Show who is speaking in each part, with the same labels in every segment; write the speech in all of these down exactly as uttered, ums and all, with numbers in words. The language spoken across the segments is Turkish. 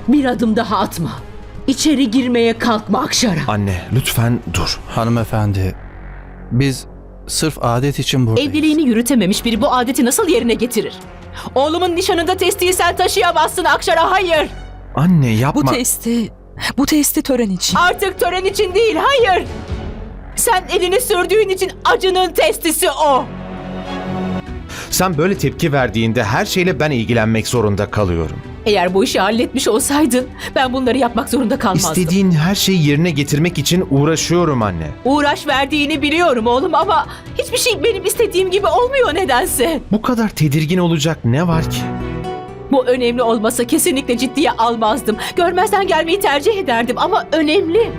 Speaker 1: Bir adım daha atma. İçeri girmeye kalkma Akşara.
Speaker 2: Anne, lütfen dur.
Speaker 3: Hanımefendi, biz sırf adet için buradayız.
Speaker 1: Evliliğini yürütememiş biri bu adeti nasıl yerine getirir? Oğlumun nişanında testiyi sen taşıyamazsın Akşara, hayır.
Speaker 2: Anne yapma.
Speaker 4: Bu testi, bu testi tören için.
Speaker 1: Artık tören için değil, hayır. Sen elini sürdüğün için acının testisi o.
Speaker 2: Sen böyle tepki verdiğinde her şeyle ben ilgilenmek zorunda kalıyorum.
Speaker 1: Eğer bu işi halletmiş olsaydın ben bunları yapmak zorunda kalmazdım.
Speaker 2: İstediğin her şeyi yerine getirmek için uğraşıyorum anne.
Speaker 1: Uğraş verdiğini biliyorum oğlum ama hiçbir şey benim istediğim gibi olmuyor nedense.
Speaker 2: Bu kadar tedirgin olacak ne var ki?
Speaker 1: Bu önemli olmasa kesinlikle ciddiye almazdım. Görmezden gelmeyi tercih ederdim ama önemli.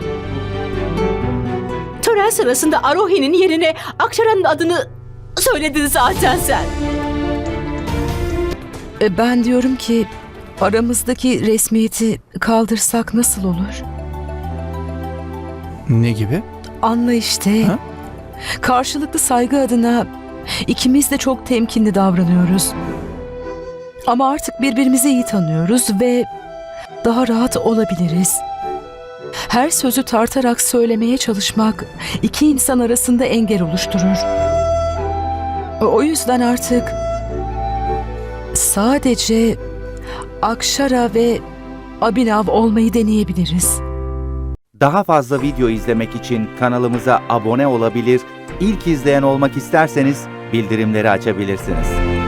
Speaker 1: Tören sırasında Arohi'nin yerine Akşara'nın adını söyledin zaten sen.
Speaker 4: E, Ben diyorum ki aramızdaki resmiyeti kaldırsak nasıl olur?
Speaker 3: Ne gibi?
Speaker 4: Anla işte.
Speaker 3: Ha?
Speaker 4: Karşılıklı saygı adına ikimiz de çok temkinli davranıyoruz. Ama artık birbirimizi iyi tanıyoruz ve daha rahat olabiliriz. Her sözü tartarak söylemeye çalışmak iki insan arasında engel oluşturur. O yüzden artık sadece Akşara ve Abhinav olmayı deneyebiliriz.
Speaker 5: Daha fazla video izlemek için kanalımıza abone olabilir, ilk izleyen olmak isterseniz bildirimleri açabilirsiniz.